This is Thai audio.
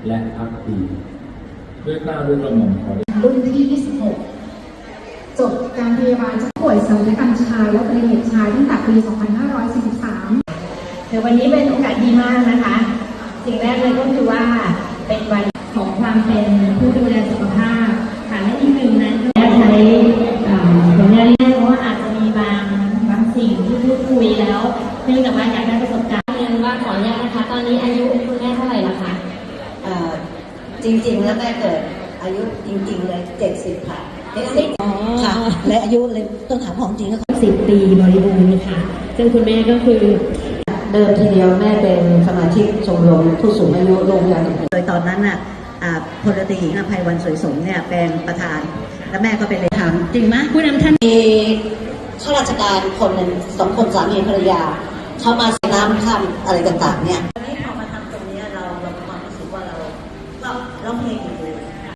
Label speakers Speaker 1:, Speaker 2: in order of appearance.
Speaker 1: และภักดีด้วยเกล้าด้วยกระหม่อมขอ
Speaker 2: รุ่นที่26จบการพยาบาลจากป่วยศัลยกรรมชายและอุบัติเหตุชายตั้งแต่ปี 2543
Speaker 3: เดี๋ยววันนี้เป็นโอกาสดีมากนะคะสิ่งแรกเลยก็คือว่าเป็นวันของความเป็นผู้ดูแลสุขภาพค่ะและอีกหนึ่งนั้นก็ใช้ผลงานเพราะว่าอาจจะมีบางสิ่งที่พูดคุยแล้วเนื่องจากว่าอยากได้ประสบการณ์เรียนว่าขออนุญาตนะคะตอนนี้อายุคุณแม่เท่าไหร่แล้วคะ
Speaker 4: จริงๆแล้วแม่เกิดอายุจริงๆเลย70ค่ะ70ค่ะและอายุเลยต้องถามของจริงก็
Speaker 3: 10 ปีบริบูรณ์ค่ะซึ่งคุณแม่ก็คือ
Speaker 4: เดิมทีเดียวแม่เป็นสมาชิกชมรมผู้สูงอายุโรงพยาบาลโดยตอนนั้นน่ะพลตรีหญิงอภัยวันสวยสมเนี่ยเป็นประธานและแม่ก็เป็นเลขาจริงไหม
Speaker 3: ผู้นำท่าน
Speaker 4: มีข้าราชการคนหนึ่ง2 คนสามีภรรยาเขามาซื้อน้ำข้ามอะไรต่างๆเนี่ยวันนี้พอมาทำตรงนี้เราความรู้สึกว่าเราเพลง